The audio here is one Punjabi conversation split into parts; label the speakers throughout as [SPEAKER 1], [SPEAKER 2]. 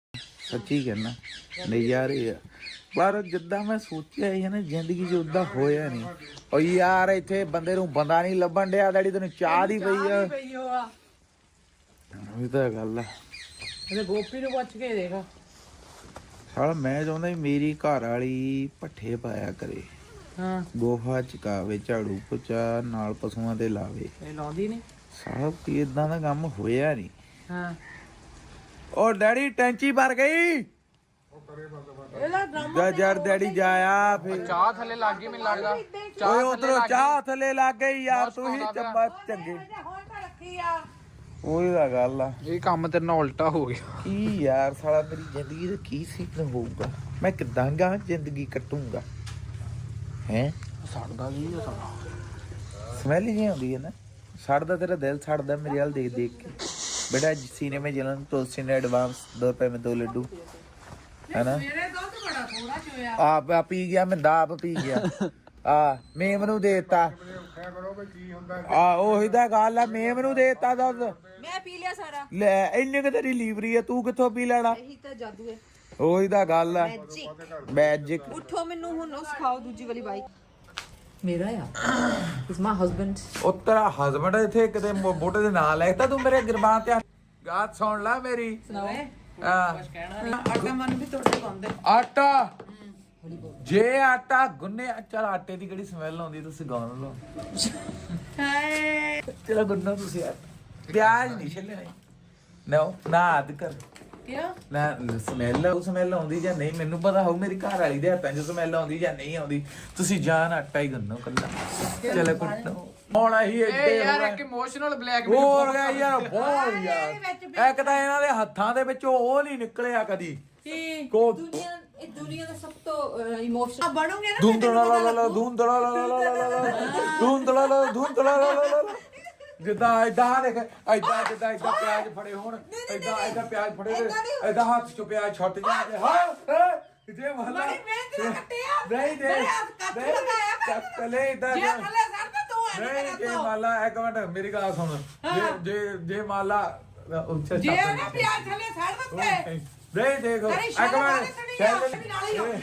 [SPEAKER 1] ਸੱਚੀ ਕਹਿਣਾ ਨਜ਼ਾਰੇ ਆ। ਪਰ ਜਿੱਦਾਂ ਮੈਂ ਸੋਚਿਆ ਸੀ ਨਾ ਜ਼ਿੰਦਗੀ 'ਚ ਉਦਾਂ ਹੋਇਆ ਨਹੀਂ। ਉਹ ਯਾਰ ਇੱਥੇ ਬੰਦੇ ਨੂੰ ਬੰਦਾ ਨਹੀਂ ਲੱਭਣ ਡਿਆ। ਡੈਡੀ ਤੈਨੂੰ ਚਾਹ ਦੀ ਪਈ ਆ। ਇਹ ਤਾਂ ਗੱਲ ਆ।
[SPEAKER 2] ਇਹਦੇ ਗੋਪੀ ਨੂੰ ਪੁੱਛ ਕੇ ਦੇਖ।
[SPEAKER 1] ਸਾਲਾ ਮੈਂ ਚਾਹੁੰਦਾ ਵੀ ਮੇਰੀ ਘਰ ਵਾਲੀ ਪੱਠੇ ਪਾਇਆ ਕਰੇ।
[SPEAKER 2] ਹਾਂ
[SPEAKER 1] ਗੋਹਾ ਚਕਾਵੇ, ਝਾੜੂ ਪੋਚਾ ਨਾਲ ਪਸ਼ੂਆਂ ਤੇ ਲਾਵੇ।
[SPEAKER 2] ਇਹ ਲਾਉਂਦੀ ਨਹੀਂ।
[SPEAKER 1] ਸਾਲਾ ਕੋਈ ਏਦਾਂ ਦਾ ਕੰਮ ਹੋਇਆ ਨਹੀਂ।
[SPEAKER 2] ਹਾਂ
[SPEAKER 1] ਉਹ ਡੈਡੀ ਟੈਂਚੀ ਭਰ ਗਈ।
[SPEAKER 2] ਇਹਦਾ ਡਰਾਮਾ
[SPEAKER 1] ਯਾਰ ਡੈਡੀ ਜਾਇਆ ਫਿਰ
[SPEAKER 3] ਚਾਹ ਥੱਲੇ ਲੱਗ ਗਈ ਮੈਨੂੰ ਲੱਗਦਾ।
[SPEAKER 1] ਓਏ ਉਧਰੋਂ ਚਾਹ ਥੱਲੇ ਲੱਗ ਗਈ ਯਾਰ। ਤੁਸੀਂ ਚੰਬਾ ਚੰਗੇ
[SPEAKER 2] ਹੁਣ ਤਾਂ ਰੱਖੀ ਆ।
[SPEAKER 1] ਉਹੀ ਤਾਂ ਗੱਲ ਆ।
[SPEAKER 3] ਇਹ ਕੰਮ ਤੇਰੇ ਨਾਲ ਉਲਟਾ ਹੋ ਗਿਆ।
[SPEAKER 1] ਕੀ ਯਾਰ ਸਾਲਾ ਮੇਰੀ ਜ਼ਿੰਦਗੀ ਦਾ ਕੀ ਸੀਕਨ ਹੋਊਗਾ? ਮੈਂ ਕਿੱਦਾਂ ਗਾ ਜ਼ਿੰਦਗੀ ਕੱਟੂੰਗਾ ਹੈ?
[SPEAKER 3] ਸੜਦਾ ਕੀ ਆ ਸਾਲਾ।
[SPEAKER 1] ਸਮੈਲ ਹੀ ਆਉਂਦੀ ਹੈ ਨਾ। ਸੜਦਾ ਤੇਰਾ ਦਿਲ ਸੜਦਾ ਮੇਰੇ ਵੱਲ ਦੇਖ ਦੇਖ ਕੇ। बेटा सीने में जलन तो सीने एडवांस 2 रुपए में 2 लड्डू है ना।
[SPEAKER 2] ਮੇਰੇ ਦੁੱਧ ਬੜਾ ਥੋੜਾ ਚੋਇਆ।
[SPEAKER 1] आप पी गया मैं दाब पी गया। मेम नू देता ਉਹੀ ਤਾਂ ਗੱਲ ਆ। ਮੇਮ ਨੂੰ ਦੇਤਾ ਦੁੱਧ।
[SPEAKER 4] ਮੈਂ ਪੀ ਲਿਆ ਸਾਰਾ।
[SPEAKER 1] ਲੈ ਇੰਨੇ ਕਿ ਤੇਰੀ ਲੀਵਰੀ ਆ, ਤੂੰ ਕਿੱਥੋਂ ਪੀ ਲੈਣਾ?
[SPEAKER 4] ਇਹੀ ਤਾਂ ਜਾਦੂ ਹੈ।
[SPEAKER 1] ਉਹੀ ਤਾਂ ਗੱਲ ਆ। ਮੈਜਿਕ।
[SPEAKER 4] ਉੱਠੋ ਮੈਨੂੰ ਹੁਣ ਉਹ ਸਿਖਾਓ ਦੂਜੀ ਵਾਲੀ ਬਾਈਕ। ਮੇਰਾ ਆ ਇਸ ਮਾਈ ਹਸਬੈਂਡ।
[SPEAKER 1] ਉਹ ਤੇਰਾ ਹਸਬੰਡ ਇੱਥੇ ਕਿਤੇ ਬੋਟੇ ਦੇ ਨਾਲ ਲੈਤਾ ਤੂੰ ਮੇਰੇ ਗਿਰਬਾਨ ਤੇ ਗਾਤ ਸੁਣ ਲੈ ਮੇਰੀ।
[SPEAKER 2] ਸੁਣਾਓ
[SPEAKER 1] ਹਾਂ
[SPEAKER 2] ਕਹਿਣਾ ਨਹੀਂ। ਆਟਾ ਮਨ ਵੀ ਤੁਹਾਡੇ ਪਾਉਂਦੇ।
[SPEAKER 1] ਆਟਾ ਜੇ ਆਟਾ ਗੁੰਨੇ ਚੱਲ ਆਟੇ ਦੀ ਕਿਹੜੀ ਸਮੈਲ ਆਉਂਦੀ ਤੁਸੀਂ ਗਾਉਣ ਲਓ।
[SPEAKER 2] ਹਾਏ
[SPEAKER 1] ਚਲੋ ਗੁੰਨੋ ਤੁਸੀਂ ਆਟਾ। ਪਿਆਜ਼ ਨਹੀਂ ਛਿੱਲਣੇ ਨਾ ਅੱਧ ਕਰ
[SPEAKER 2] ਕਿਉਂ?
[SPEAKER 1] ਨਾ ਸਮੈਲ ਉਹ ਸਮੈਲ ਆਉਂਦੀ ਜਾਂ ਨਹੀਂ ਮੈਨੂੰ ਪਤਾ ਹੋਊ। ਮੇਰੀ ਘਰ ਵਾਲੀ ਦੇ ਹੱਥਾਂ 'ਚ ਸਮੈਲ ਆਉਂਦੀ ਜਾਂ ਨਹੀਂ ਆਉਂਦੀ। ਤੁਸੀਂ ਜਾਨ ਆਟਾ ਹੀ ਗੁੰਨੋ ਕੱਲਾ। ਚਲੋ ਕੁੱਟੋ ਹੁਣ ਅਸੀਂ
[SPEAKER 3] ਇਹ ਯਾਰ ਇੱਕ ਇਮੋਸ਼ਨਲ ਬਲੈਕਮੇਲ
[SPEAKER 1] ਹੋਰ ਗਿਆ ਯਾਰ ਬਹੁਤ ਯਾਰ। ਇੱਕ ਤਾਂ ਇਹਨਾਂ ਦੇ ਹੱਥਾਂ ਦੇ ਵਿੱਚੋਂ ਉਹ ਨਹੀਂ ਨਿਕਲਿਆ ਕਦੀ।
[SPEAKER 2] ਕੀ
[SPEAKER 1] ਕੋ
[SPEAKER 4] ਇਹ ਦੁਨੀਆ ਦਾ ਸਭ ਤੋਂ ਇਮੋਸ਼ਨਲ
[SPEAKER 2] ਬਣੋਗੇ ਨਾ।
[SPEAKER 1] ਧੁੰਦਲਾ ਜਿੱਦਾਂ ਏਦਾਂ ਦੇਖ ਏਦਾਂ ਜਿੱਦਾਂ ਪਿਆਜ਼ ਫੜੇ ਹੋਣ ਏਦਾਂ ਪਿਆਜ਼ ਫੜੇ ਏਦਾਂ ਹੱਥ ਚੋਂ ਪਿਆਜ਼ ਛੁੱਟ ਜਾਂਦੇ। ਹਾਂ ਜੇ ਮਹਲਾ
[SPEAKER 2] ਬੜੀ ਮਿਹਨਤ ਨਾਲ ਕੱਟਿਆ।
[SPEAKER 1] ਨਹੀਂ ਦੇ
[SPEAKER 2] ਮੇਰੇ ਹੱਥ ਕੱਟ ਲਗਾਇਆ ਕਰ।
[SPEAKER 1] ਚੱਲੇ ਏਦਾਂ
[SPEAKER 2] ਜੇ ਥੱਲੇ ਸੜ ਤਾਂ ਤੂੰ ਐ
[SPEAKER 1] ਨਹੀਂ ਜੇ ਮਾਲਾ ਇੱਕ ਮਿੰਟ ਮੇਰੀ ਗੱਲ ਸੁਣ। ਜੇ ਮਾਲਾ ਉੱਚਾ
[SPEAKER 2] ਜੇ ਨਾ ਪਿਆਜ਼ ਥੱਲੇ ਸੜ ਦਿੱਤੇ।
[SPEAKER 1] ਨਹੀਂ ਦੇਖੋ ਇੱਕ ਮਿੰਟ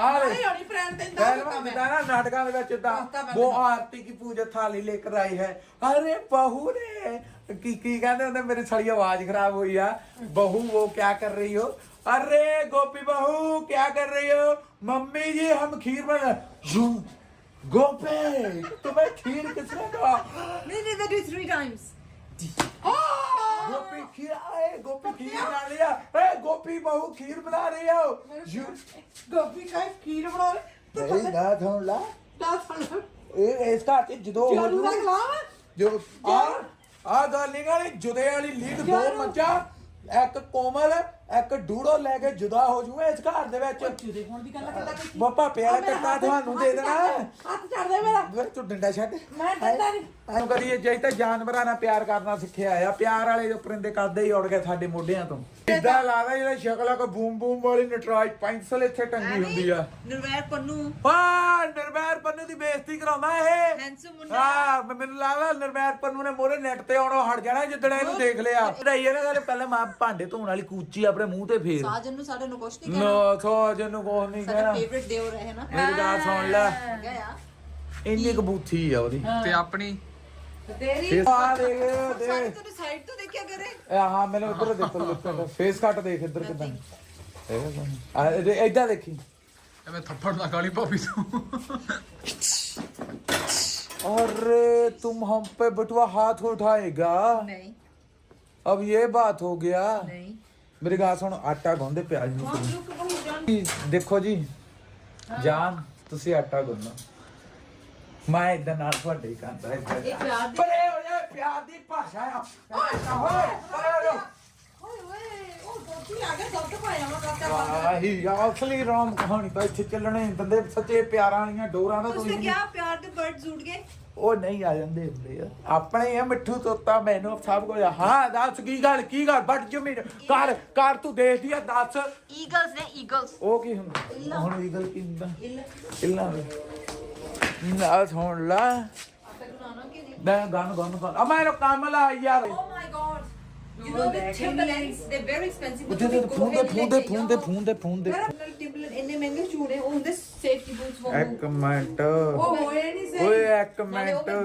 [SPEAKER 1] नाटका वो आरती की पूजा थाली लेकर आई है। अरे बहू ने की कहते मेरी सारी आवाज खराब हुई है। बहू वो क्या कर रही हो? अरे गोपी बहू क्या कर रही हो? मम्मी जी हम खीर बना। गोपी तुम्हें खीर किसने कहा?
[SPEAKER 4] नहीं they do 3 times।
[SPEAKER 1] गोपी खीर आए गोपी खीर बना लिया। गोपी बहू खीर बना रही हो।
[SPEAKER 2] ਗੋਪੀ ਕਾ ਖੀਰ ਬਣਾ
[SPEAKER 1] नहीं ना सुन ला
[SPEAKER 2] ਲਾ ਥੱਲੇ
[SPEAKER 1] ਇਸ ਘਰ ਚ ਜਦੋਂ
[SPEAKER 2] ਚਾਲੂ ਦਾ ਗਲਾਮ।
[SPEAKER 1] ਜੋ ਆ ਗੱਲ ਨਹੀਂ ਗਾਲੀ ਜੁਦੇ ਵਾਲੀ ਲੀਗ ਦੋ ਮੱਝਾਂ ਇੱਕ ਕੋਮਲ ਇੱਕ ਡੂੜੋ ਲੈ ਕੇ ਜੁਦਾ ਹੋ ਜੂਏ ਇਸ ਘਰ ਦੇ ਵਿੱਚ।
[SPEAKER 2] ਜੁਦੇ ਹੋਣ ਦੀ ਗੱਲ ਕਰਦਾ ਕੋਈ।
[SPEAKER 1] ਬਾਪਾ ਪਿਆਰ ਕੱਟਾ ਤੁਹਾਨੂੰ ਦੇ ਦੇਣਾ।
[SPEAKER 2] ਹੱਥ ਛੱਡ ਦੇ ਮੇਰਾ।
[SPEAKER 1] ਵੇ ਤੂੰ ਡੰਡਾ ਛੱਡ।
[SPEAKER 2] ਮੈਂ ਡਰਦਾ ਨਹੀਂ।
[SPEAKER 1] ਤੈਨੂੰ ਕਦੀ ਇਹ ਜੇ ਤਾਂ ਜਾਨਵਰਾਂ ਨਾਲ ਪਿਆਰ ਕਰਨਾ ਸਿੱਖਿਆ ਆ। ਪਿਆਰ ਵਾਲੇ ਜੋ ਪਰਿੰਦੇ ਕਰਦੇ ਹੀ ਉੜ ਗਏ ਸਾਡੇ ਮੋਢਿਆਂ ਤੋਂ। ਇਦਾਂ ਲੱਗਦਾ ਜਿਹੜਾ ਸ਼ਕਲ ਆ ਕੋ ਬੂਮ ਬੂਮ ਵਾਲੀ ਨਟਰਾਜ ਪੈਨਸਲ ਇੱਥੇ ਟੰਗੀ ਹੁੰਦੀ ਆ।
[SPEAKER 4] ਨਿਰਵੈਰ ਪੰਨੂ
[SPEAKER 1] ਨਿਰਵੈਰ ਪੰਨੂ ਦੀ ਬੇਇੱਜ਼ਤੀ ਕਰਾਉਂਦਾ ਇਹ।
[SPEAKER 4] ਹੈਂਸਮ ਮੁੰਡਾ।
[SPEAKER 1] ਹਾਂ ਮੈਨੂੰ ਲੱਗਦਾ ਨਿਰਵੈਰ ਪੰਨੂ ਨੇ ਮੋਰੇ ਨੈਟ ਤੇ ਆਉਣੋਂ ਹਟ ਜਾਣਾ ਜਿੱਦਣ ਇਹਨੂੰ ਦੇਖ ਲਿਆ। ਢਾਈ ਇਹਨਾਂ ਦਾ ਪਹਿਲਾਂ ਮਾਂ ਭਾਂਡੇ ਧੋਣ ਵਾਲੀ ਕੂਚੀ ਆਪਣੇ ਮੂੰਹ ਤੇ ਫੇਰ।
[SPEAKER 4] ਸਾਜਨ ਨੂੰ ਸਾਡੇ ਨੂੰ ਕੁਛ ਨਹੀਂ ਕਹਿਣਾ।
[SPEAKER 1] ਨਾ ਸਾਜਨ ਨੂੰ ਕੁਛ ਨਹੀਂ
[SPEAKER 4] ਸਾਡਾ
[SPEAKER 1] ਕਹਿਣਾ।
[SPEAKER 4] ਫੇਵਰਿਟ ਦੇਵਰ ਹੈ ਨਾ।
[SPEAKER 1] ਮੇਰੀ ਗੱਲ ਸੁਣ ਲੈ
[SPEAKER 4] ਗਿਆ ਆ
[SPEAKER 1] ਇੰਨੀ ਕਬੂਥੀ ਆ ਉਹਦੀ।
[SPEAKER 3] ਤੇ ਆਪਣੀ
[SPEAKER 2] ਤੇਰੀ
[SPEAKER 1] ਆ ਦੇਖ
[SPEAKER 4] ਸਾਰੇ
[SPEAKER 1] ਦੇਖ
[SPEAKER 4] ਤੂੰ ਸਾਈਡ ਤੋਂ ਦੇਖਿਆ ਕਰੇ।
[SPEAKER 1] ਹਾਂ ਮੈਨੂੰ ਇੱਧਰ ਦੇਖੋ ਫੇਸ ਕੱਟ ਦੇਖ ਇੱਧਰ ਕਿਦਾਂ ਏਦਾਂ ਦੇਖੀ।
[SPEAKER 3] ਐਵੇਂ ਥੱਪੜ ਨਾ ਗਾਲੀ ਭਾਬੀ ਤੂੰ।
[SPEAKER 1] अरे तुम हम पे बटुआ हाथ उठाएगा?
[SPEAKER 4] नहीं
[SPEAKER 1] अब ये बात हो गया।
[SPEAKER 4] नहीं
[SPEAKER 1] मेरी गाल सुन आटा गुंदे प्याज ਨੂੰ ਦੇਖੋ ਜੀ ਜਾਨ ਤੁਸੀਂ ਆਟਾ ਗੁੰਨੋ ਮੈਂ ਇਦਾਂ ਨਾਲ ਤੁਹਾਡੇ ਹੀ ਕਰਦਾ ਇੱਦਾਂ।
[SPEAKER 4] ਇਹ ਪਿਆਰ ਦੀ
[SPEAKER 1] ਪਰੇ ਹੋ ਜਾ ਪਿਆਰ ਦੀ ਭਾਸ਼ਾ ਆ। ਓਏ ਪਰੇ ਹੋ ਜਾ।
[SPEAKER 2] ਓਏ ਓਏ ਉਹ ਗੋਪੀ ਆ ਗਿਆ ਦੁੱਧ ਪਾਇਆ ਵਾ ਕਾਕਾ।
[SPEAKER 1] ਆਹੀ ਅਸਲੀ ਰਾਮ ਕਹਾਣੀ ਤਾਂ ਇੱਥੇ ਚੱਲਣੇ ਬੰਦੇ ਸੱਚੇ ਪਿਆਰਾਂ ਵਾਲੀਆਂ ਡੋਰਾਂ ਦਾ
[SPEAKER 4] ਉਸਨੇ ਕਿਹਾ ਪਿਆਰ ਦੇ ਬਰਡਸ ਉੱਡ ਗਏ।
[SPEAKER 1] ਉਹ ਨਹੀਂ ਆ ਜਾਂਦੇ ਹੁੰਦੇ ਆ ਆਪਣੇ ਆ ਮਿੱਠੂ ਤੋਤਾ ਮੈਨੂੰ ਸਭ ਕੁਝ। ਹਾਂ ਦੱਸ ਕੀ ਗੱਲ ਬਟ ਜਮੀਨ ਕਰ ਤੂੰ ਦੇਖਦੀ ਆ ਦੱਸ।
[SPEAKER 4] ਈਗਲਸ ਨੇ ਈਗਲਸ।
[SPEAKER 1] ਉਹ ਕੀ ਹੁੰਦਾ ਹੁਣ ਈਗਲ ਕੀ ਹੁੰਦਾ? ਇੱਲਾ ਨਾ ਸੁਣ ਲਾ
[SPEAKER 4] ਆਟਾ ਗੁਨਾਣਾ ਕਿ ਨਹੀਂ।
[SPEAKER 1] ਮੈਂ ਗਨ ਆ ਮੈਨੂੰ ਕੰਮ ਲਾ ਯਾਰ।
[SPEAKER 4] Oh my God You know the Timberlands, they're very expensive. but
[SPEAKER 1] ਉਹਦੇ
[SPEAKER 4] they go
[SPEAKER 1] phone
[SPEAKER 4] ahead and let
[SPEAKER 1] ਦੇ
[SPEAKER 4] the-
[SPEAKER 1] ਫੋਨ ਦੇ
[SPEAKER 4] Timberland ਇੰਨੇ ਮਹਿੰਗੇ ਸ਼ੂਜ਼ ਨੇ ਉਹ ਹੁੰਦੇ ਸੇਫਟੀ ਬੂਟਸ ਵਾਂਗੂ
[SPEAKER 1] ਇੱਕ ਮਿੰਟ
[SPEAKER 2] ਉਹ ਹੋਏ ਨਹੀਂ ਸਹੀ
[SPEAKER 1] ਓਏ ਇੱਕ
[SPEAKER 4] ਨਾਲੇ ਉਹ
[SPEAKER 1] ਮਿੰਟ